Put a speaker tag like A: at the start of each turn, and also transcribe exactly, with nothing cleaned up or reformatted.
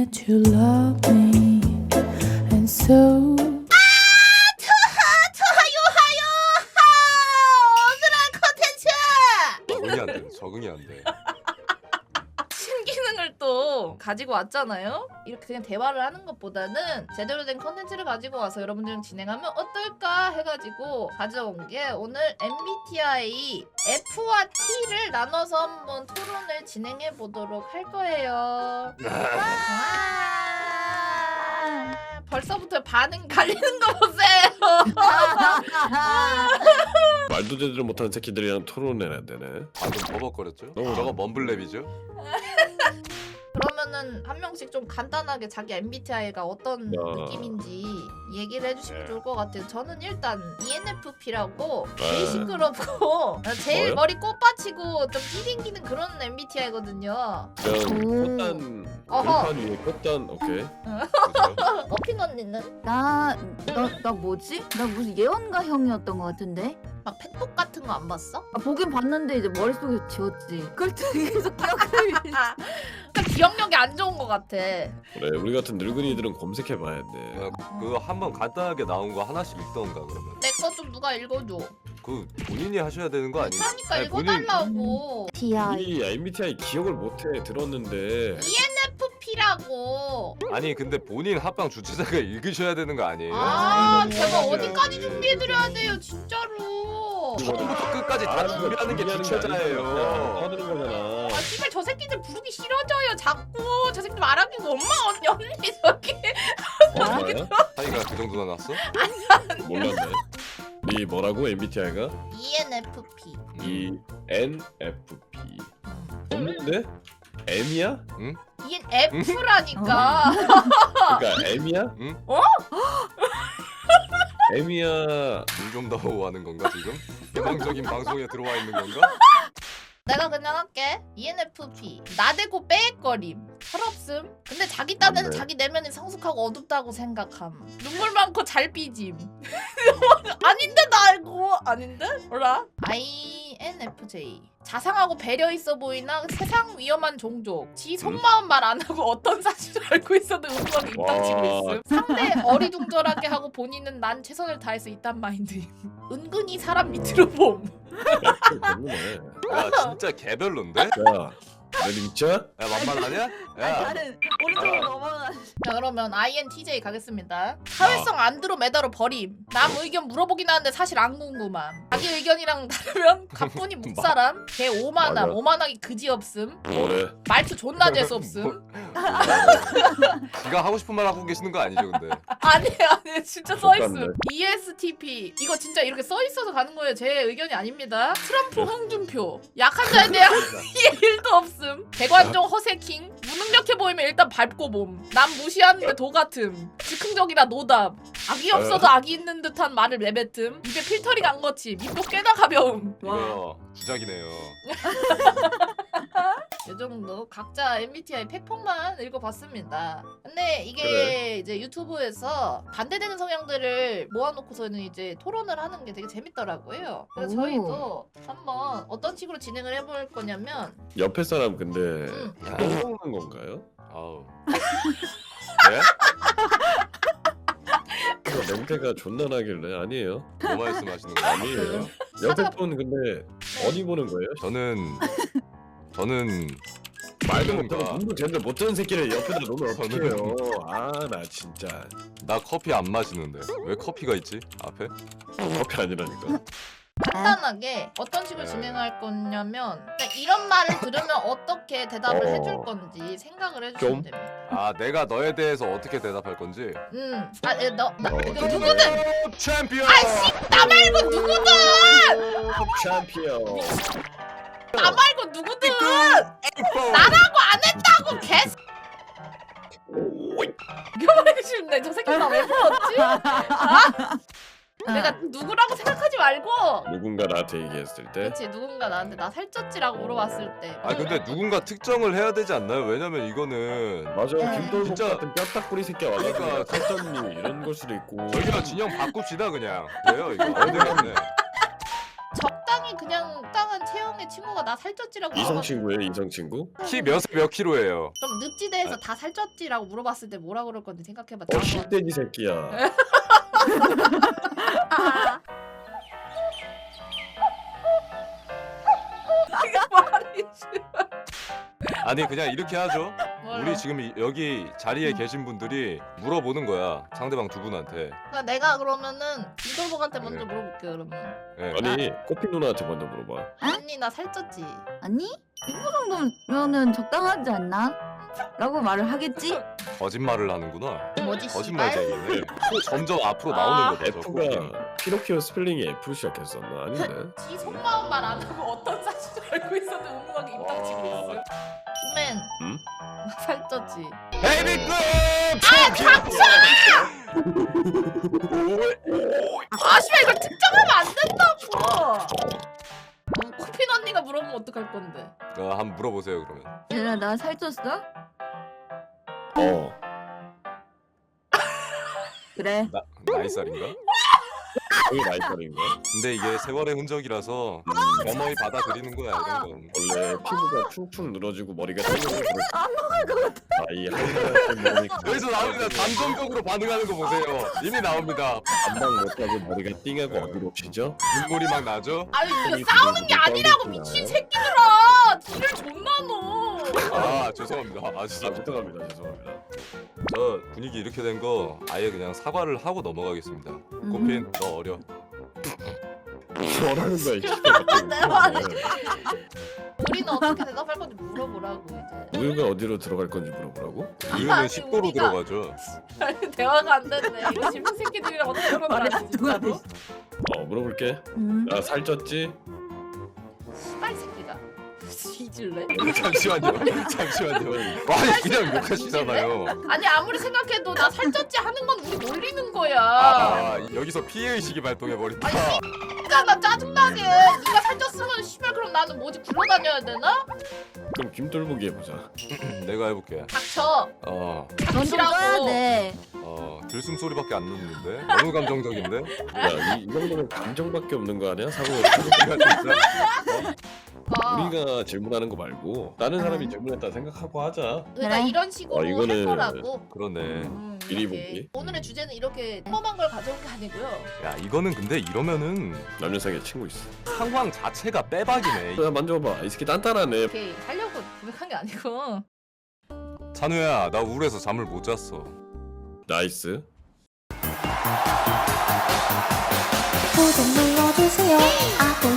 A: that you love me, and so.
B: 적응이 안 돼. 적응이 안 돼.
C: 신기능을 또 가지고 왔잖아요. 이렇게 그냥 대화를 하는 것보다는 제대로 된 컨텐츠를 가지고 와서 여러분들이랑 진행하면 어떨까 해가지고 가져온 게 오늘 엠비티아이 F와 T를 나눠서 한번 토론을 진행해 보도록 할 거예요. 와, 벌써부터 반응 갈리는 거 보세요.
D: 말도 제대로 못하는 새끼들이랑 토론해야 되네.
B: 방금 버벅거렸죠?
D: 너무
B: 저거 먼블랩이죠?
C: 그러면은 한 명씩 좀 간단하게 자기 엠비티아이가 어떤
D: 어.
C: 느낌인지 얘기를 해주시면
B: 네.
C: 좋을 것 같아요. 저는 일단 이엔에프피라고 제일
D: 네.
C: 시끄럽고 제일
D: 뭐요?
C: 머리 꽃받치고 좀 띠딩기는 그런 엠비티아이거든요.
D: 그냥
E: 오.
D: 꽃단
C: 어허.
D: 글판 위에 꽃단 오케이.
B: 그죠?
C: 어핀 언니는
E: 나, 나, 나 뭐지? 나 무슨 예언가 형이었던 것 같은데?
C: 막 팩폭 같은 거 안 봤어?
E: 아, 보긴 봤는데 이제 머릿속에 지웠지. 그걸 되게 계속 기억을.
C: 아, 그러니까 기억력이 안 좋은 것 같아.
D: 그래 우리 같은 늙은이들은 검색해봐야 돼.
B: 야, 그거 한번 간단하게 나온 거 하나씩 읽던가 그러면.
C: 내 거 좀 누가 읽어줘.
B: 그 본인이 하셔야 되는 거 아니에요?
C: 그러니까
B: 아니,
C: 읽어달라고.
E: 티아이.
D: 이 엠비티아이 기억을 못해 들었는데.
C: 이엔에프피라고.
B: 아니 근데 본인 합방 주최자가 읽으셔야 되는 거 아니에요?
C: 아,
D: 네.
C: 제가
D: 네.
C: 어디까지 준비해드려야 돼요, 진짜로.
B: 처음부터 끝까지 다
D: 아,
B: 준비하는 게
D: 준비하는 게
B: 주최자예요.
D: 아니라 떠드는 거잖아.
C: 아, 씨발 저 새끼들 부르기 싫어져요, 자꾸. 저 새끼들 말하기가 엄마 언니 언니 저기.
D: 뭐야?
B: 사이가 그 정도나 났어?
D: 몰랐네. 네 뭐라고 엠비티아이가?
C: 이엔에프피.
D: 이 엔 에프 피. 없는데? M이야?
C: 이엔에프라니까.
D: 그러니까 M이야?
B: 응?
C: 어?
D: M이야.
B: 물좀 다오 하는 건가 지금? 일방적인 방송에 들어와 있는 건가?
C: 내가 그냥 할게. 이엔에프피. 나대고 빼거림. 철없음. 근데 자기 딴에는
D: 맞네.
C: 자기 내면이 성숙하고 어둡다고 생각함. 눈물 많고 잘 삐짐. 아닌데 나 알고. 아닌데? 뭐라? 아이엔에프제이. 자상하고 배려 있어 보이나 세상 위험한 종족. 지 속마음 말 안 하고 어떤 사실을 알고 있어도 은근하게 입당치고
D: 와.
C: 있음. 상대 어리둥절하게 하고 본인은 난 최선을 다해서 있단 마인드임. 은근히 사람 밑으로 봄.
D: 별로네.
B: 야 진짜 개별론데?
D: 야, 내 진짜?
B: 야 만만하냐? 야
E: 나는 오른쪽으로 넘어가.
C: 자 그러면 아이엔티제이 가겠습니다. 사회성 안드로메다로 버림. 남 의견 물어보긴 하는데 사실 안 궁금함. 자기 의견이랑 다르면 가뿐히 묵사람. 개 오만함.
D: 맞아.
C: 오만하기 그지없음.
D: 뭐래?
C: 말투 존나 재수없음.
B: 지가 하고 싶은 말 하고 계시는 거 아니죠 근데?
C: 아니 아니 진짜
D: 똑같네.
C: 써있음. 이에스티피. 이거 진짜 이렇게 써있어서 가는 거예요. 제 의견이 아닙니다. 트럼프 홍준표. 약한 자에 대한 이해 일도 없음. 대관종 허세킹. 무능력해 보이면 일단 밟고 봄. 남 무시하는데 도같음. 즉흥적이라 노답. 악이 없어도 악이 있는 듯한 말을 내뱉음. 입에 필터링 안 거침. 입도 꽤나 가벼움.
B: 이거 주작이네요.
C: 이 정도 각자 엠비티아이 팩폭만 읽어봤습니다. 근데 이게
D: 그래.
C: 이제 유튜브에서 반대되는 성향들을 모아놓고서는 이제 토론을 하는 게 되게 재밌더라고요. 그래서
E: 오.
C: 저희도 한번 어떤 식으로 진행을 해볼 거냐면
D: 옆에 사람 근데
C: 음.
D: 똥 먹는 건가요?
B: 아우. 네?
D: 그 냄새가 존나 나길래 아니에요.
B: 뭐 말씀하시는 거예요?
D: 아니에요. 옆에 분 근데 어디 보는 거예요?
B: 저는 저는
D: 말도
B: 뭔가-
D: 못하고 눈도 제대로 못 뜨는 새끼를 옆에다 놓으면
B: 저는-
D: 어떡해요. 아 나 진짜
B: 나 커피 안 마시는데 왜 커피가 있지 앞에?
D: 커피 아니라니까.
C: 간단하게 어떤 식으로 진행할 거냐면 그냥 이런 말을 들으면 어떻게 대답을
D: 어.
C: 해줄 건지 생각을 해주시면
D: 좀?
C: 됩니다.
B: 아 내가 너에 대해서 어떻게 대답할 건지.
C: 음, 아, 예, 너, 나,
D: 어,
C: 이거 누구든
B: 챔피언.
C: 아이씨 나 말고 누구든
D: 챔피언.
C: 나 말고 누구든 나라고 안 했다고 개. 이거 말하기 싫네. 저 새끼 나 왜 불렀지? 아? 내가 누구라고 생각하지 말고.
D: 누군가 나한테 얘기했을 때
C: 그렇지 누군가 나한테 나 살쪘지라고 물어봤을 때.
B: 아 근데 누군가 특정을 해야 되지 않나요? 왜냐면 이거는
D: 맞아
E: 네.
D: 김돌복
B: 진짜-
D: 같은 뼈딱구리 새끼가 와가지고
B: 그러니까.
D: 살쪘니 이런 걸 수도 있고.
B: 저기랑 진영 바꿉시다 그냥. 왜요 이거? 안 되겠네.
C: 적당히 그냥 적당한 체형의 내 친구가 나 살쪘지라고
D: 이성
C: 물어봤...
D: 친구예요? 이성 친구?
B: 키 몇 몇 킬로예요?
C: 그럼 늪지대에서 다 살쪘지라고 물어봤을 때 뭐라 그럴 건지 생각해봐.
D: 어 씹대기 새끼야.
C: 아. 이게 말이
B: 아니 그냥 이렇게 하죠.
C: 뭘로?
B: 우리 지금 이- 여기 자리에 계신 분들이 물어보는 거야. 상대방 두 분한테.
C: 그러니까 내가 그러면은 이돌복한테 먼저
B: 네.
C: 물어볼게 그러면.
B: 예.
D: 아니 꽃피 누나한테 먼저 물어봐.
C: 언니 나 살쪘지?
E: 아니 이거 정도면은 적당하지 않나? 라고 말을 하겠지?
B: 거짓말을 하는구나.
C: 뭐지
B: 거짓말쟁이네. 또 점점 앞으로 나오는 거죠. 저 꽃핀.
D: F가 피노키오 스펠링이 F로 시작했었나? 아닌데?
C: 지 속마음 말 안 하고 어떤 사실을 알고 있었는데 운명하게 입당치고 있어요. 맨.
D: 응?
C: 나 살쪘지?
B: 베이비급!
C: 아 닥쳐! 아 씨발 이걸 특정하면 안 된다고. 음, 코핀 언니가 물어보면 어떡할 건데?
B: 어, 한번 물어보세요 그러면.
E: 얘들아 나 살쪘어?
D: 어.
E: 그래.
B: 나 나이 살인가?
D: 여기 나이살인가?
B: 근데 이게 세월의 흔적이라서 겸허히 받아들이는 거야 이런 건.
D: 원래 피부가 퉁퉁 늘어지고 머리가 튀어나오고 안 먹을 것 같아. 나이 한살
B: 여기서 나옵니다. 단정적으로 반응하는 거 보세요. 이미 나옵니다.
D: 반박 못하고 머리가 띵하고 어디로 튀죠?
B: 눈물이 막 나죠?
C: 아니 이거
D: 아니,
C: 싸우는 게
D: 그거
C: 아니라고
D: 떠오르구나.
C: 미친 새끼들아! 뒤를 존나 넣어.
B: 아 죄송합니다. 아
D: 아
B: 진짜
D: 죄송합니다 죄송합니다.
B: 저 분위기 이렇게 된 거 아예 그냥 사과를 하고 넘어가겠습니다. 꽃핀 너 어려.
D: 뭐라는 거야 이 씨발.
C: 내 말이. 우리는 어떻게 대답할 건지 물어보라고 이제.
D: 우유가 어디로 들어갈 건지 물어보라고?
B: 우유는
C: 아니,
B: 식도로
C: 우리가-
B: 들어가죠.
C: 아니, 대화가 안 됐네. 이거 질문 새끼들이랑 어떻게
E: 말이
C: 그러는
E: 안 통하네.
D: 어 물어볼게.
E: 음.
D: 나 살쪘지?
C: 씨발 새끼가. 뒤질래?
B: 잠시만요. 잠시만요. 아니 그냥 욕하시잖아요.
C: 아니 아무리 생각해도 나 살쪘지 하는 건 우리 놀리는 거야.
B: 아 여기서 피해 의식이 발동해 버린다.
C: 진짜 나 짜증나게. 네가 살쪘으면 씨발 그럼 나는 뭐지 굴러다녀야 되나?
D: 그럼 김돌보기 해보자.
B: 내가 해볼게.
C: 닥쳐.
B: 어,
E: 넌 좀 떠야 돼.
B: 어 들숨 소리밖에 안 듣는데 너무 감정적인데.
D: 야, 이, 이 정도면 감정밖에 없는 거 아니야? 사고
B: 내가 진짜
C: 아,
D: 우리가 질문하는 거 말고 다른 사람이 질문했다 생각하고 하자.
C: 그러니까
E: 그래.
C: 이런 식으로
D: 어, 이거는-
C: 할 거라고.
B: 그러네.
C: 음,
D: 미리
C: 이렇게.
D: 보기.
C: 오늘의 주제는 이렇게 평범한 걸 가져온 게 아니고요.
B: 야 이거는 근데 이러면은
D: 남녀 사이에 친구 있어.
B: 상황 자체가 빼박이네.
D: 야 만져봐. 이 새끼 단단하네.
C: 이렇게 하려고 고백한 게 아니고.
B: 찬우야 나 우울해서 잠을 못 잤어.
D: 나이스.
A: 구독 눌러주세요. 아구